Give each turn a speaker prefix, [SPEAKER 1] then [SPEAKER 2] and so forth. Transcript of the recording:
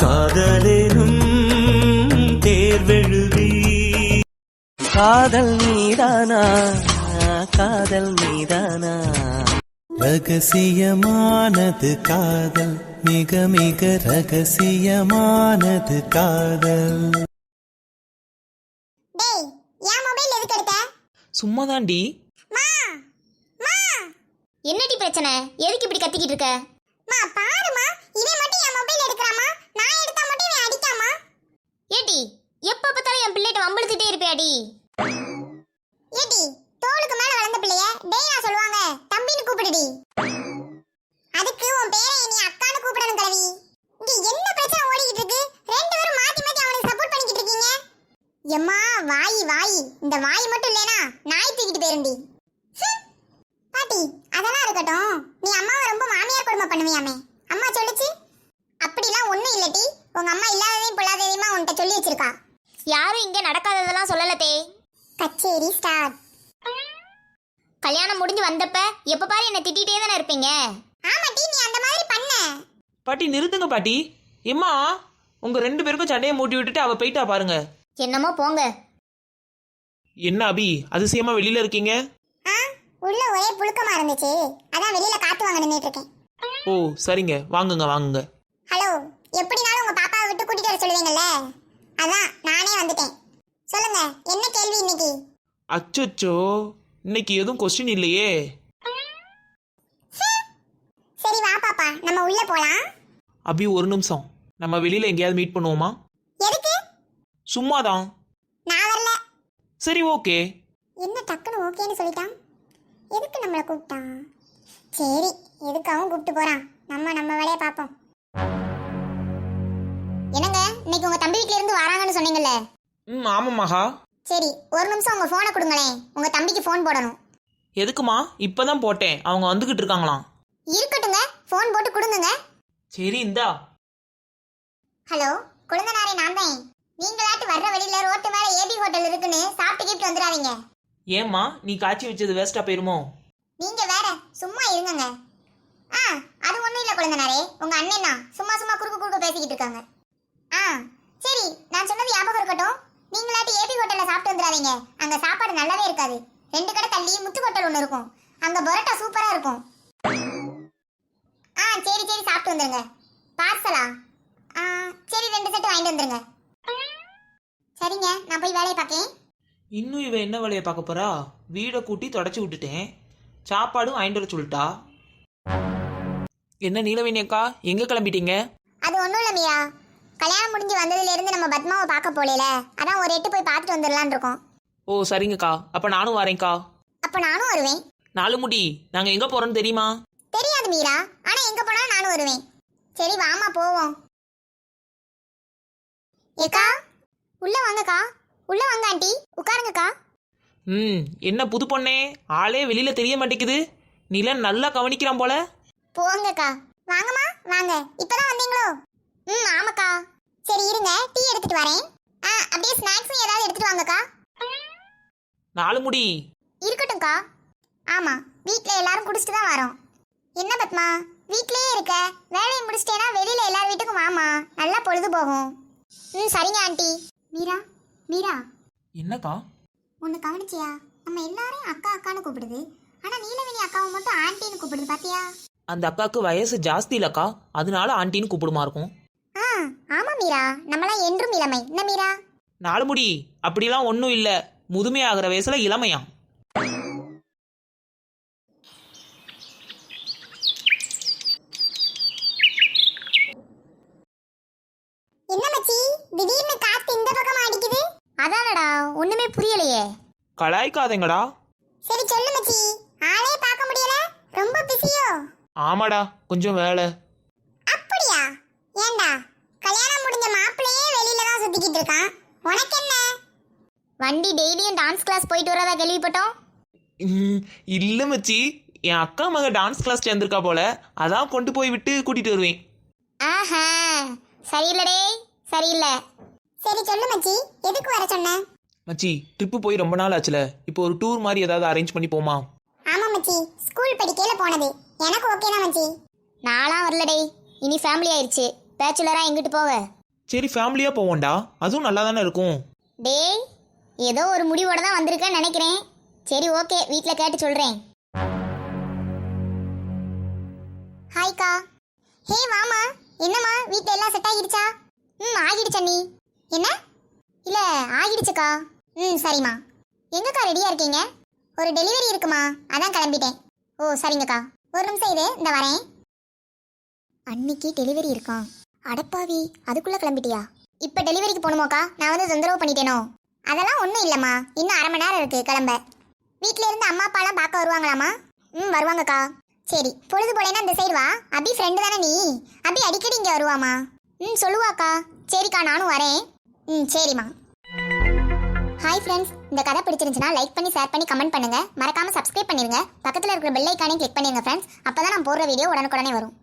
[SPEAKER 1] காதலேனும் தேர்வெழுதி காதல் மீதானா காதல் மீதானா ரகசியமானது காதல் மிக மிக ரகசியமானது காதல்.
[SPEAKER 2] டேய் ஏன் மொபைல் எதுக்கு எடுத்த?
[SPEAKER 3] சும்மா தாண்டி.
[SPEAKER 2] மா மா என்னடி பிரச்சனை? எதுக்கு இப்படி கத்திக்கிட்டு இருக்க? மா பாருமா, இவன் மட்டும் என் மொபைல் எடுக்கறாமா, நான் எடுத்தா மட்டும் இவன் அடிக்காமா? ஏடி எப்ப பார்த்தாலும் என் பிள்ளைட்ட வம்பிழுத்துட்டே இருப்பியாடி? ஏடி தோளுக்கு மேல வளர்ந்த பிள்ளைய டேயா சொல்லுவாங்க, தம்பின்னு கூப்பிடுடி. அதுக்கு உன் பேரை நீ அக்கான்னு கூப்பிடணும் கலவி. இங்க என்ன பிரச்சனை ஓடிக்கிட்டு இருக்கு? ரெண்டு பேரும் மாத்தி மாத்தி அவனுக்கு சப்போர்ட் பண்ணிக்கிட்டு இருக்கீங்க. எம்மா வாய் வாய், இந்த வாய் மட்டும் இல்லனா நாய் தூக்கிட்டு போயிருண்டி. பாட்டி அதெல்லாம் இருக்கட்டும், நீ அம்மாவை ரொம்ப மாமியார் கொடுமை பண்ணுவியாமே, அம்மா சொல்லுச்சு. அப்படிலாம் ஒண்ணும் இல்லடி, உங்க அம்மா இல்லாததையும் பொல்லாததையுமா உன்கிட்ட சொல்லி வச்சிருக்கா. யாரும் இங்க நடக்காததெல்லாம் சொல்லலதே. கச்சேரி ஸ்டார்ட். கல்யாணம் முடிஞ்சு வந்தப்ப எப்ப பாரு என்ன திட்டிட்டே தானே இருப்பீங்க. ஆமாட்டி, நீ அந்த மாதிரி பண்ண.
[SPEAKER 3] பாட்டி நிறுத்துங்க பாட்டி. எம்மா உங்க ரெண்டு பேருக்கும் சண்டையை மூட்டி விட்டுட்டு அவ போயிட்டா பாருங்க.
[SPEAKER 2] என்னமோ போங்க.
[SPEAKER 3] என்ன அபி அதிசயமா வெளியில இருக்கீங்க?
[SPEAKER 2] உள்ள ஒரே புழுக்கமா இருந்துச்சு, அதான் வெளியில காத்து வாங்க நின்னுட்டு இருக்கேன்.
[SPEAKER 3] ஓ சரிங்க, வாங்குங்க வாங்குங்க.
[SPEAKER 2] ஹலோ, எப்படினாலும் உங்க பாப்பாவை விட்டு கூட்டிட்டு வர சொல்லுவீங்கல்ல, அதான் நானே வந்துட்டேன். சொல்லுங்க, என்ன கேள்வி இன்னைக்கு?
[SPEAKER 3] அச்சோ, இன்னைக்கு எதுவும் கொஸ்டின் இல்லையே.
[SPEAKER 2] சரி வா பாப்பா, நம்ம உள்ள போலாம்.
[SPEAKER 3] அபி ஒரு நிமிஷம், நம்ம வெளியில எங்கேயாவது மீட் பண்ணுவோமா?
[SPEAKER 2] எதுக்கு?
[SPEAKER 3] சும்மாதான்.
[SPEAKER 2] நான் வரல.
[SPEAKER 3] சரி ஓகே.
[SPEAKER 2] என்ன டக்குன்னு ஓகேன்னு சொல்லிட்டான்? எதுக்கு நம்மளை கூப்பிட்டான்? சரி, எதுக்காகவும் கூப்பிட்டு போறான், நம்ம வேலையை பார்ப்போம். என்னங்க, இன்னைக்கு உங்க தம்பி வீட்ல இருந்து வராங்கன்னு சொன்னீங்கல்ல?
[SPEAKER 3] ஆமா மகா.
[SPEAKER 2] சரி, ஒரு நிமிஷம் உங்க போனை கொடுங்களேன், உங்க தம்பிக்கு போன் போடணும்.
[SPEAKER 3] எதுக்குமா? இப்பதான் போட்டேன், அவங்க வந்துகிட்டு இருக்காங்களாம்.
[SPEAKER 2] இருக்கட்டுங்க, போன் போட்டு கொடுங்க.
[SPEAKER 3] சரி இந்தா.
[SPEAKER 2] ஹலோ, குழந்தனாரே நான் தான். நீங்களாட்டு வர்ற வழியில ரோட்டு மேல ஏபி ஹோட்டல் இருக்குன்னு சாப்பிட்டு கிப்ட்டு வந்துடாதீங்க.
[SPEAKER 3] ஏம்மா நீ காய்ச்சி வச்சது வேஸ்டா போயிருமோ?
[SPEAKER 2] நீங்க வேற சும்மா இருங்கங்க. அது ஒண்ணும் இல்ல குழந்தனாரே, உங்க அண்ணன் தான் சும்மா சும்மா குறுக்கு பேசிக்கிட்டு இருக்காங்க. சரி, நான் சொன்னது ஞாபகம் இருக்கட்டும். நீங்களாட்டு ஏபி ஹோட்டல்ல சாப்பிட்டு வந்துடாதீங்க, அங்க சாப்பாடு நல்லாவே இருக்காது. 2 கடை தள்ளி முத்து ஹோட்டல் ஒன்று இருக்கும், அங்க பரோட்டா சூப்பரா இருக்கும். சரி சரி, சாப்பிட்டு வந்துருங்க. பார்சலா? சரி, 2 செட்டு வாங்கிட்டு வந்துருங்க. சரிங்க, நான் போய் வேலையை பார்க்கேன்.
[SPEAKER 3] இன்னும் இவ என்ன வேலையை பார்க்க போறா? வீடை கூட்டி தொடச்சி விட்டுட்டேன், சாப்பாடும் வாங்கிட்டு வர சொல்லிட்டா. என்ன நீலவேணி அக்கா, எங்க கிளம்பிட்டீங்க?
[SPEAKER 2] அது ஒன்றும் இல்லை மீரா, கல்யாணம் முடிஞ்சு வந்ததுல இருந்து நம்ம பத்மாவை பார்க்க போகல, அதான் ஒரு எட்டு போய் பார்த்துட்டு வந்துடலான் இருக்கோம்.
[SPEAKER 3] ஓ சரிங்கக்கா, அப்ப நானும் வரேன்க்கா.
[SPEAKER 2] அப்ப நானும் வருவேன்.
[SPEAKER 3] 4 முடி, நாங்க எங்க போறோம்னு தெரியுமா?
[SPEAKER 2] தெரியாது மீரா, ஆனா எங்க போனாலும் நானும் வருவேன். சரி வாமா போவோம். ஏக்கா உள்ள வாங்கக்கா. உள்ள வாங்க ஆண்டி, உட்காருங்கக்கா.
[SPEAKER 3] என்ன புது பொண்ணே, ஆளே வெளியில தெரிய மாட்டேங்குது. நீலாம் நல்லா கவனிக்கிறான் போல.
[SPEAKER 2] போங்கக்கா. வாங்கம்மா வாங்க, இப்பதான் வந்தீங்களோ? ஆமாக்கா. சரி இருங்க, டீ எடுத்துட்டு வரேன். அப்படியே ஸ்நாக்ஸும் ஏதாவது எடுத்துட்டு வாங்கக்கா.
[SPEAKER 3] 4 முடி
[SPEAKER 2] இருக்கட்டும்க்கா. ஆமா, வீட்ல எல்லாரும் குடிச்சிட்டு தான் வரோம். என்ன பத்மா, வீட்லயே இருக்க? வேலையை முடிச்சிட்டேனா வெளியில எல்லார் வீட்டுக்கும் வாமா, நல்லா பொழுது போகும். சரிங்க ஆண்டி. மீரா மீரா.
[SPEAKER 3] என்னக்கா?
[SPEAKER 2] உன்னை கவனிச்சியா? நம்ம எல்லாரையும் அக்கா அக்கான்னு கூப்பிடுது, ஆனா நீலவேணி அக்காவை மட்டும் ஆண்டின்னு கூப்பிடுது, பாத்தியா?
[SPEAKER 3] அந்த அக்காவுக்கு வயசு ஜாஸ்தி இல்லக்கா, அதனால ஆண்டின்னு கூப்பிடுமா இருக்கும்.
[SPEAKER 2] ஆமா மீரா, நம்மளாம் என்றும் இளமை. என்ன மீரா?
[SPEAKER 3] 4 முடி, அப்படிலாம் ஒன்றும் இல்லை, முதுமையாகிற வயசுல இளமையா.
[SPEAKER 2] என்ன மச்சி, திடீர்னு காத்து இந்த பக்கம் அடிக்குது? அதானடா, ஒண்ணுமே புரியலையே.
[SPEAKER 3] கலாய்க்காதேங்கடா.
[SPEAKER 2] சரி சொல்லு மச்சி, ஆளே பார்க்க முடியல, ரொம்ப பிஸியோ?
[SPEAKER 3] ஆமாடா, கொஞ்சம் வேலை.
[SPEAKER 2] அப்படியா? ஏண்டா, கல்யாணம் முடிஞ்ச மாப்பிள்ளையே வெளியில தான் சுத்திக்கிட்டு இருக்கான், உனக்கு என்ன? வண்டி டெய்லியும் டான்ஸ் கிளாஸ் போயிட்டு வரதா கேள்விப்பட்டோம்.
[SPEAKER 3] இல்ல மச்சி, என் அக்கா மக டான்ஸ் கிளாஸ் சேர்ந்திருக்கா போல, அதான் கொண்டு போய் விட்டு கூட்டிட்டு வருவேன்.
[SPEAKER 2] ஆஹா, சரியில்லடே, சரியில்லை. சரி சொல்லு மச்சி, எதுக்கு வர சொன்ன?
[SPEAKER 3] மச்சி ட்ரிப்பு போய் ரொம்ப நாள் ஆச்சுல, இப்போ ஒரு டூர் மாதிரி ஏதாவது அரேஞ்ச் பண்ணி போமா?
[SPEAKER 2] ஆமா மச்சி, ஸ்கூல் படிக்கையில போனது, எனக்கு ஓகே தான் மச்சி. நாளாம் வரலடே, இனி ஃபேமிலி ஆயிடுச்சு, பேச்சுலரா எங்கிட்டு போவ?
[SPEAKER 3] சரி ஃபேமிலியாக போவோம்டா, அதுவும் நல்லா தானே இருக்கும்.
[SPEAKER 2] டேய், ஏதோ ஒரு முடிவோட தான் வந்திருக்கேன்னு நினைக்கிறேன். சரி ஓகே, வீட்டில் கேட்டு சொல்கிறேன். ஹாய்க்கா. ஹே வாமா. என்னம்மா வீட்டில் எல்லாம் செட் ஆகிடுச்சா? ஆகிடுச்சா நீ? என்ன? இல்லை ஆகிடுச்சுக்கா. சரிம்மா. எங்கக்கா ரெடியாக இருக்கீங்க? ஒரு டெலிவரி இருக்குமா, அதான் கிளம்பிட்டேன். ஓ சரிங்கக்கா, ஒரு நிமிஷம் இரு, இந்த வரேன். அன்னைக்கு டெலிவரி இருக்கான். அடப்பாவி, அதுக்குள்ளே கிளம்பிட்டியா? இப்போ டெலிவரிக்கு போகணுமாக்கா? நான் வந்து தொந்தரவு பண்ணிட்டேனோ? அதெல்லாம் ஒன்றும் இல்லைம்மா, இன்னும் அரை மணி நேரம் இருக்குது கிளம்ப. வீட்டில் இருந்து அம்மா அப்பாலாம் பார்க்க வருவாங்களாம்மா? வருவாங்கக்கா. சரி, பொழுது போலேன்னா இந்த சைடு வா. அபி ஃப்ரெண்டு தானே நீ? அபி அடிக்கடி இங்கே வருவாமா? சொல்லுவாக்கா. சரிக்கா, நானும் வரேன். சரிம்மா. ஹாய் ஃப்ரெண்ட்ஸ், இந்த கதை பிடிச்சிருந்துச்சுன்னா லைக் பண்ணி ஷேர் பண்ணி கமெண்ட் பண்ணுங்க. மறக்காம சப்ஸ்கிரைப் பண்ணிருங்க. பக்கத்தில் இருக்கிற பெல் ஐக்கானையும் கிளிக் பண்ணிருங்க ஃப்ரெண்ட்ஸ். அப்பதான் நான் போடுற வீடியோ உடனுக்குடனே வரும்.